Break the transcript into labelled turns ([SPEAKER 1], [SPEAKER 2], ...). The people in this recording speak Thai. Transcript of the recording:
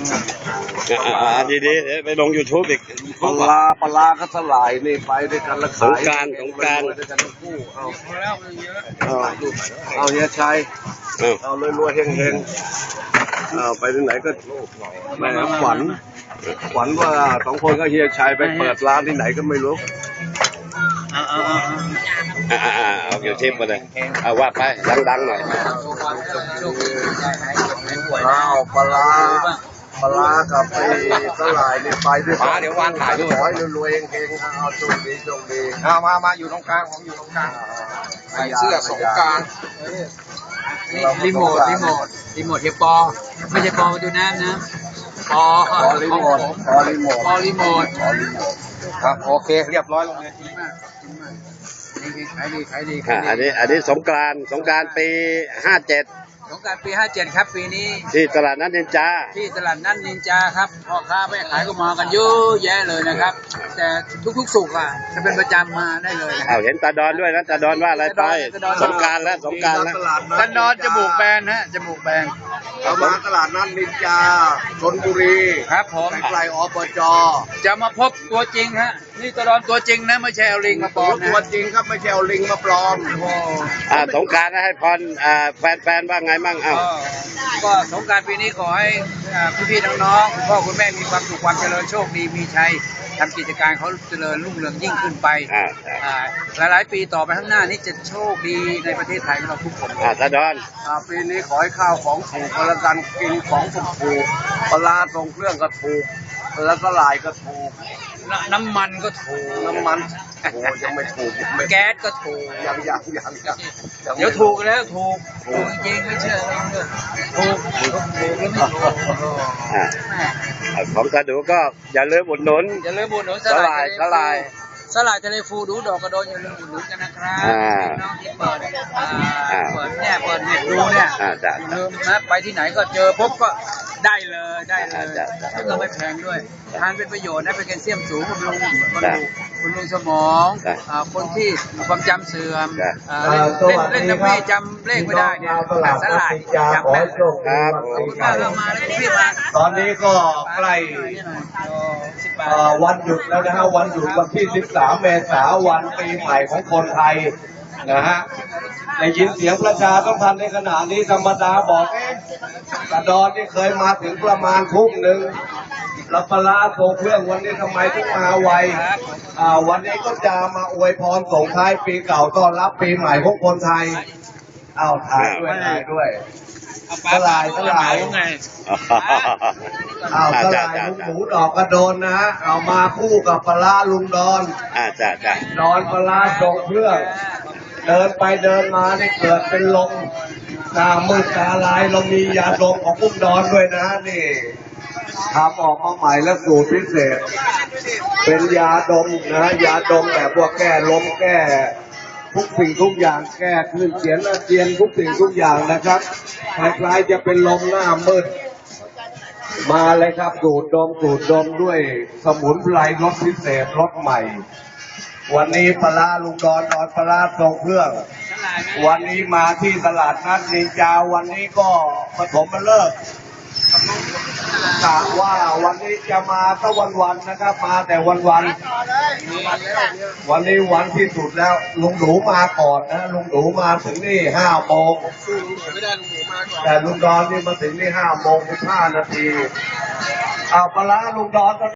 [SPEAKER 1] ดีๆไปลง YouTube อีก
[SPEAKER 2] ปลาก็สลายนี่ไปด้วยกันแล้วขาย
[SPEAKER 1] สงกรานต์
[SPEAKER 2] ด้วยกันทั้งคู่เอาเฮียชัยเอารวยๆเฮงๆเอาไปที่ไหนก็แม่ฝันว่า2 คนก็เฮียชัยไปเปิดร้านที่ไหนก็ไม่รู้
[SPEAKER 1] เอาอยู่ทิปมาเลยเอาว่าไปดังๆหน่อย
[SPEAKER 2] เอาปลากับไปสลายนี่ไปด้วยกัน
[SPEAKER 1] เดี๋ยววางถ่ายด้วย
[SPEAKER 2] ขอให้รวยๆเฮงๆเอาโชคดี
[SPEAKER 3] มาอยู่ตรงกลางผมอยู่ตรงกลางใส่เสื้อสงกรานต์
[SPEAKER 4] รีโมทเฮียปอไม่ใช่ปอดูน้ำนะปอ
[SPEAKER 2] รีโมท
[SPEAKER 3] ครับโอเคเรียบร้อยลงเลย
[SPEAKER 4] ขายดี
[SPEAKER 1] อันนี้สงกรานต์ปี57
[SPEAKER 4] สงกรานต์ปี57ครับปีนี้
[SPEAKER 1] ที่ตลาดนัดนินจา
[SPEAKER 4] ครับพ่อค้าแม่ขายก็มากันเยอะแยะเลยนะครับแต่ทุกสุกจะเป็นประจำมาได้เลย
[SPEAKER 1] เห็นตาดอนด้วยนะตาดอนว่าอะไรไปสงกรานต์แล้ว
[SPEAKER 4] ตาดอนจมูกแบน
[SPEAKER 2] เอามาตลาดนัดนินจาชลบุรี
[SPEAKER 4] ครับผม
[SPEAKER 2] ไกลอบจ
[SPEAKER 4] จะมาพบตัวจริงฮะนี่ตาดอนตัวจริงนะไม่ใช่เอาลิงมาปลอมนะ
[SPEAKER 2] ตัวจริงครับไม่ใช่เอาลิงมาปลอม
[SPEAKER 1] สงกรานต์ให้พรแฟนว่าไงมั่ง
[SPEAKER 4] ก็สงกรานต์ปีนี้ขอให้พี่ๆน้องๆคุณพ่อคุณแม่มีความสุขความเจริญโชคดีมีชัยทำกิจการเขาเจริญรุ่งเรืองยิ่งขึ้นไปหลายๆปีต่อไปข้างหน้านี้จะโชคดีในประเทศไทยของเราทุกคน
[SPEAKER 1] ตาดอน
[SPEAKER 2] ปีนี้ขอให้ข้าวของถูกแล้วกันกินของถูกปลาตรงเครื่องก็ถูกแล้วก็ลายก็ถูก
[SPEAKER 4] น้ำมันก็ถูก
[SPEAKER 2] ยังไม่ถูก
[SPEAKER 4] แก๊สก็ถูก
[SPEAKER 2] ยัง
[SPEAKER 4] เดี๋ยวถูกแล้วถูกจริงไม่เชื่อเลยถูกแล้วไม่ถูก
[SPEAKER 1] ของกระดูก็อย่าลืมอุดหนุนสล
[SPEAKER 4] ายทะเลฟูดูดอกกระโดนอย่าลืมอุดหนุนกันนะครับน้องที่เปิดเน็ตดูเนี่ยลืมนะไปที่ไหนก็เจอพบก็ได้เลยแล้วก็ไม่แพงด้วยทานเป็นประโยชน์นะเป็นแคลเซียมสูงบำรุงสมองคนที่ความจำเสื่อมเล่นน้ำพี่จำเลขไม่ได้เนี่ยสลายจำแม่น
[SPEAKER 1] ครับ
[SPEAKER 4] มาเลยพี่มา
[SPEAKER 2] ตอนนี้ก็ใกล้วันหยุดแล้วนะฮะวันหยุดวันที่13 เมษายนวันปีใหม่ของคนไทยนะฮะได้ยินเสียงประชาสัมพันธ์ในขณะนี้ธรรมดาบอกกระดอนนี่เคยมาถึงประมาณทุ่มหนึ่งแล้วปลาโซ่เครื่องวันนี้ทำไมถึงมาไววันนี้ก็จะมาอวยพรส่งท้ายปีเก่าต้อนรับปีใหม่ของคนไทยถ่ายด้วยสลายสลายลุงหมูดอกกระโดนนะฮะเอามาคู่กับปลาลุงดอนดอนปลาส่งเครื่องเดินไปเดินมานี่เกิดเป็นลมตามืดตาลายเรามียาดมของพุ่มดอนด้วยนะนี่ทำออกมาใหม่และสูตรพิเศษเป็นยาดมนะยาดมแบบพวกแก้ลมแก้ทุกสิ่งทุกอย่างแก้คลื่นเสียงอาเจียนทุกสิ่งทุกอย่างนะครับคล้ายๆจะเป็นลมหน้ามืดมาเลยครับสูตรดมด้วยสมุนไพรรสพิเศษรสใหม่วันนี้ปลาลุงดอนปลาทรงเครื่องวันนี้มาที่ตลาดนัดนินจาวันนี้ก็ผสมมาเลิกกะว่าวันนี้จะมาตั้งวันนะครับมาแต่วันนี้วันที่สุดแล้วลุงหนูมาก่อนนะลุงหนูมาถึงนี่5 โมงแต่ลุงดอนนี่มาถึงนี่5 โมง 15 นาทีปลาลุงดอน